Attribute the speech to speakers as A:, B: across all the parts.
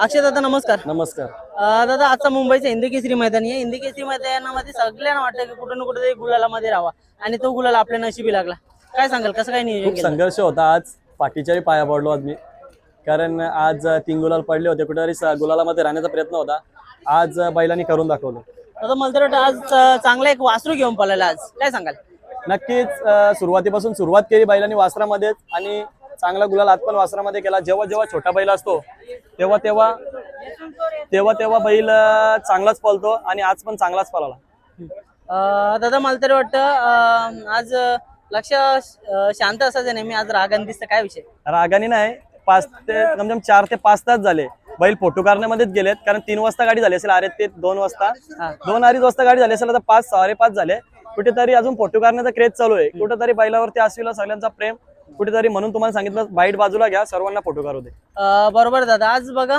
A: अक्षय दादा नमस्कार.
B: नमस्कार.
A: दादा आजचा मुंबईचा हिंदकेसरी मैदान आहे. हिंदकेसरी मैदानामध्ये सगळ्यांना वाटतं की कुठं ना कुठं तरी गुलालामध्ये राहावा आणि तो गुलाल आपल्या नशिबी लागला. काय सांगाल, कसं काय नियोजन
B: खूप
A: केलं?
B: संघर्ष होता आज. पाठीच्याही पाया पडलो आज मी, कारण आज 3 गुलाल पडले होते. कुठेतरी गुलालामध्ये राहण्याचा प्रयत्न होता. आज बैलांनी करून दाखवलं.
A: दादा मला तर वाटतं आज चांगला एक वासरू घेऊन पळाला आज. काय सांगाल?
B: नक्कीच सुरुवातीपासून सुरुवात केली बैलांनी वासरामध्येच आणि चांगला गुलाल आज पण वासरामध्ये केला. जेव्हा जेव्हा छोटा बैल असतो तेव्हा तेव्हा तेव्हा तेव्हा बैल चांगलाच पळतो आणि आज पण चांगलाच पळाला.
A: दादा मला तरी वाटतं आज लक्ष शांत असायचं नेहमी, आज रागान दिसतं. काय विषय?
B: रागाने नाही, 5 ते कमसे कम 4 ते 5 तास झाले बैल फोटो काढण्यामध्येच गेलेत. कारण 3 वाजता गाडी झाली असेल, अरे ते 2 वाजता 2-2:30 वाजता गाडी झाली असेल, आता 5-5:30 झाले. कुठेतरी अजून फोटो काढण्याचा क्रेज चालू आहे. कुठेतरी बैलावरती असलेला सगळ्यांचा प्रेम कुठेतरी, म्हणून तुम्हाला सांगितलं बाईट बाजूला घ्या, सर्वांना फोटो काढू दे.
A: बरोबर दादा. आज बघा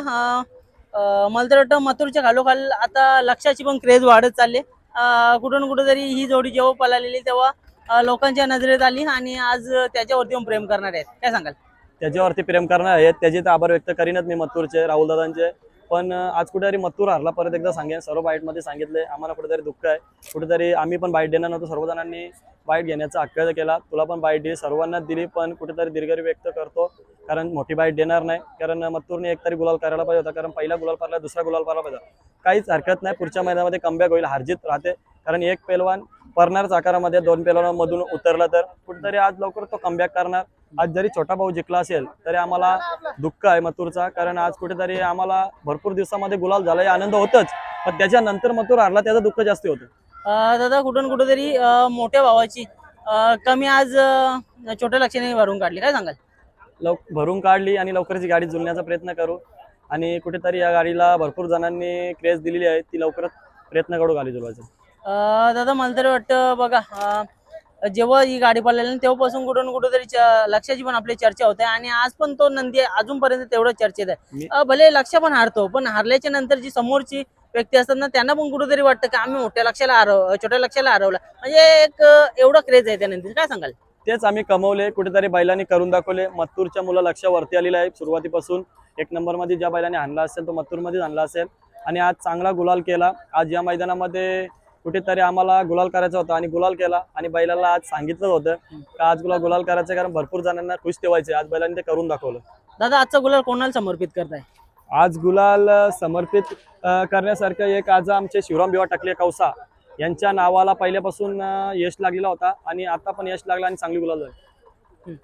A: मला तर वाटतं मथुरच्या खालोखाल आता लक्षाची पण क्रेज वाढत चालली. कुठून कुठं तरी ही जोडी जेव्हा पळालेली तेव्हा लोकांच्या नजरेत आली आणि आज त्याच्यावरती पण प्रेम करणार आहेत. काय सांगाल?
B: त्याच्यावरती प्रेम करणार आहेत, त्याचे तर आभार व्यक्त करीनच मी मथुरचे, राहुल दादांचे. पण आज कुठेतरी मथुर हारला. परत एकदा सांगेन, सर्व बाईटमध्ये सांगितले, आम्हाला कुठेतरी दुःख आहे. कुठेतरी आम्ही पण बाईट देणार नव्हतो, सर्वजणांनी बाईट घेण्याचा हक्क केला. तुला पण बाईट दिली, सर्वांना दिली, पण कुठेतरी दीर्घ व्यक्त करतो, कारण मोठी बाईट देणार नाही. कारण मथुरने एक तरी गुलाल करायला पाहिजे होता, कारण पहिला गुलाल पडला, दुसरा गुलाल पडला पाहिजे. काहीच हरकत नाही, पुढच्या मैदानामध्ये कमबॅक होईल, हारजीत राहते. कारण एक पैलवान परनारच आकारामध्ये 2 पैलवानांमधून उतरला तर कुठेतरी आज लवकर तो कमबॅक करणार. आज जरी छोटा भाऊ जिंकला असेल तरी आम्हाला दुःख आहे मथुरचा, कारण आज कुठेतरी आम्हाला भरपूर दिवसामध्ये गुलाल झाला, आनंद होतच, पण त्याच्यानंतर मथुर हारला त्याचं दुःख जास्त होतं.
A: दादा कुठून कुठेतरी मोठ्या भावाची कमी आज छोट्या लक्षाने भरून काढली. काय सांगाल?
B: भरून काढली आणि लवकरच गाडी जुळण्याचा प्रयत्न करू. आणि कुठेतरी या गाडीला भरपूर जणांनी क्रेज दिलेली आहे, ती लवकरच प्रयत्न करू गाडी जुळवायचा.
A: दादा मला तरी वाटतं बघा, जेव्हा ही गाडी पळाली तेव्हापासून कुठून कुठेतरी लक्षाची पण आपली चर्चा होते आणि आज पण तो नंदी अजूनपर्यंत तेवढं चर्चेत आहे. भले लक्ष पण हारतो, पण हारल्याच्या नंतर जी समोरची व्यक्ती असतात ना, त्यांना पण कुठेतरी वाटतं की आम्ही छोट्या लक्षाला हरवलं. म्हणजे एक एवढं क्रेज आहे त्या नंतर. काय सांगाल?
B: तेच आम्ही कमवले, कुठेतरी बैलांनी करून दाखवले. मथुरच्या मुलं लक्षावरती आलेलं आहे सुरुवातीपासून. 1 नंबरमध्ये ज्या बैलाने आणला असेल तो मथुरमध्येच आणला असेल आणि आज चांगला गुलाल केला. आज या मैदानामध्ये कुठेतरी आम्हाला गुलाल करायचा होता आणि गुलाल केला. आणि बैलाला आज सांगितलं होतं का आज गुलाल करायचं, कारण भरपूर जणांना खुश ठेवायचे. आज बैलांनी ते करून दाखवलं.
A: दादा आजचा गुलाल कोणाला समर्पित करताय?
B: आज गुलाल समर्पित करण्यासारखं एक, आज आमचे शिवराम भिवा टकले कौसा यांच्या नावाला पहिल्यापासून यश लागलेला होता आणि आता पण यश लागला आणि चांगली गुलाल झाली.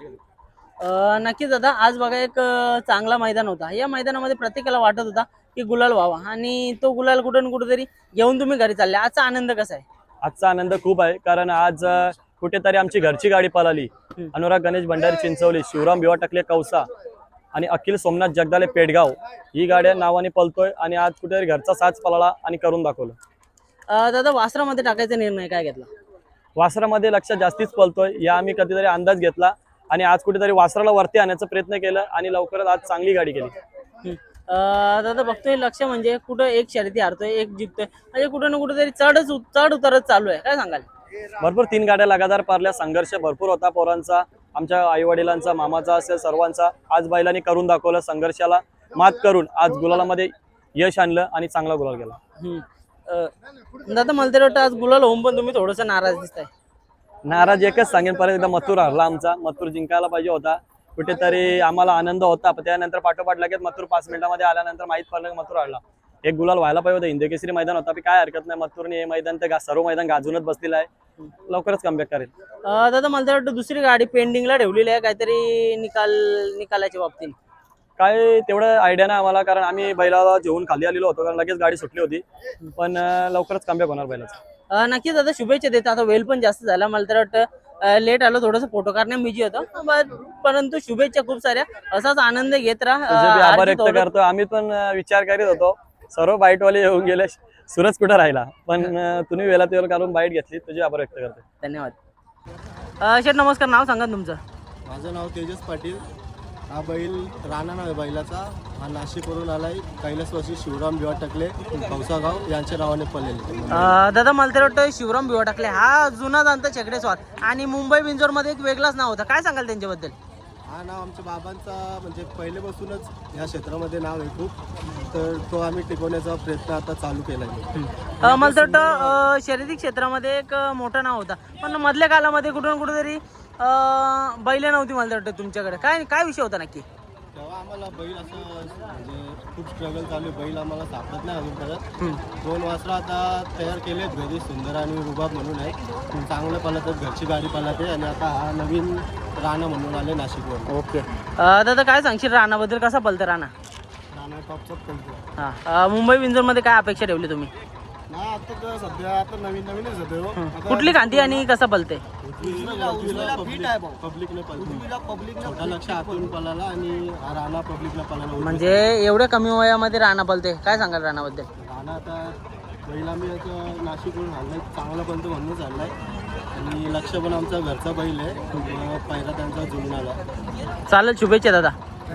A: नक्कीच दादा. आज बघा एक चांगला मैदान होता. या मैदानामध्ये प्रत्येकाला वाटत होता की गुलाल व्हावा आणि तो गुलाल कुठून कुठेतरी घेऊन तुम्ही घरी चालले. आजचा आनंद कसा आहे?
B: आजचा आनंद खूप आहे, कारण आज कुठेतरी आमची घरची गाडी पळाली. अनुराग गणेश भंडारी चिंचवली, शिवराम भिवा टकले कौसा आणि अखिल सोमनाथ जगदाले पेडगाव ही गाड्या नावाने पळतोय आणि आज कुठेतरी घरचा साज पळाला आणि करून दाखवलं.
A: दादा वासरामध्ये टाकायचा निर्णय काय घेतला?
B: वासरामध्ये लक्ष जास्तीच पळतोय या आम्ही कधीतरी अंदाज घेतला आणि आज कुठेतरी वासराला वरती आणण्याचा प्रयत्न केला आणि लवकरच आज चांगली गाडी केली.
A: दादा बघतोय लक्ष म्हणजे कुठं एक शर्यती हारतोय, एक जिंकतोय, म्हणजे कुठं ना कुठेतरी चढ उतरत चालू आहे. काय सांगाल?
B: भरपूर 3 गाड्या लगातार पारल्या, संघर्ष भरपूर होता पोरांचा, आमच्या आई वडिलांचा, मामाचा असेल, सर्वांचा. आज बैलांनी करून दाखवलं, संघर्षाला मात करून आज गुलालामध्ये यश आणलं आणि चांगला गुलाल गेला.
A: दादा मला तरी वाटतं आज गुलाल होऊन पण तुम्ही थोडंसं नाराज दिसताय.
B: नाराज एकच सांगेन, परत एकदा मथुर हरला आमचा. मथुर जिंकायला पाहिजे होता. कुठेतरी आम्हाला आनंद होता, पण त्यानंतर पाठोपाठ लगेच मथुर 5 मिनिटांमध्ये आल्यानंतर माहीत पडलं की मथुर हरला. एक गुलाल व्हायला पाहिजे होता. हिंदकेसरी मैदान होता, काय हरकत नाही. मथुरने हे मैदान तर सर्व मैदान गाजूनच बसलेलं आहे, लवकरच कमबॅक करेल.
A: दादा मला तर वाटतं दुसरी गाडी पेंडिंगला ठेवलेली आहे काहीतरी निकालाच्या बाबतीत.
B: काय तेवढं आयडिया नाही आम्हाला, कारण आम्ही बैलाला जेवून खाली आलेलो होतो, कारण लगेच गाडी सुटली होती. पण लवकरच कमबॅक होणार बैलाचं.
A: नक्कीच दादा शुभेच्छा देतो. आता वेळ पण जास्त झाला, मला तर वाटतं लेट आलो, थोडंसं फोटो काढण्यात बिझी होतो, परंतु शुभेच्छा खूप साऱ्या. असाच आनंद घेत राहा.
B: आभार व्यक्त करतो. आम्ही पण विचार करीत होतो, सर्व बाईटवाले येऊन गेले, सूरज कुठं राहिला, पण तुम्ही वेळात वेळ काढून बाईट घेतली, तुझे आभार व्यक्त करतो.
A: धन्यवाद. शेठ नमस्कार. नाव सांगा तुमचं?
C: माझं नाव तेजस पाटील. हा बैल राणा नाव आहे बैलाचा. हा नाशिकवरून आलाय. कैलासवासी शिवराम भिवा टकले कौसागाव यांच्या नावाने पडलेले.
A: दादा मला तर वाटतं शिवराम भिवा टकले हा जुना जाणता छकडे स्वार आणि मुंबई बिंजोरमध्ये एक वेगळाच नाव होता. काय सांगाल त्यांच्याबद्दल?
C: हा नाव आमच्या बाबांचा म्हणजे पहिलेपासूनच ह्या क्षेत्रामध्ये नाव आहे खूप, तर तो आम्ही टिकवण्याचा प्रयत्न आता चालू केला आहे.
A: मला तर वाटतं शर्यती क्षेत्रामध्ये एक मोठं नाव होता, पण मधल्या काळामध्ये कुठून कुठेतरी बैल नव्हती मला तर वाटतं तुमच्याकडे. काय काय विषय होता नक्की?
C: तेव्हा आम्हाला बैल असं म्हणजे खूप स्ट्रगल चालू आहे, बैल आम्हाला सापडत नाही अजून परत. 2 वासरं आता तयार केले आहेत घरी, सुंदर आणि रुबाब म्हणून आहे. चांगलं पळतात, घरची गाडी पळते. आणि आता हा नवीन राणा म्हणून आले नाशिकवर.
A: ओके दादा काय सांगशील राणाबद्दल, कसा पलतं राणा?
C: राणा टॉपचाच पळतो.
A: हां मुंबई विंजोरमध्ये काय अपेक्षा ठेवली तुम्ही?
C: नाही आता तर सध्या आता नवीनच होते.
A: कुठली खांदी आणि कसं पलते?
C: पब्लिकने छोटा लक्ष आतून पळाला आणि हा राणा पब्लिकला पळाला.
A: म्हणजे एवढ्या कमी वयामध्ये राणा पलते, काय सांगाल राणाबद्दल?
C: राणा आता बैल आम्ही आता नाशिकवरून आणलाय, चांगला पळतो म्हणूनच आणलाय. आणि लक्ष पण आमचा घरचा बैल आहे, पहिला त्यांचा जुळून आला.
A: चालेल, शुभेच्छा दादा.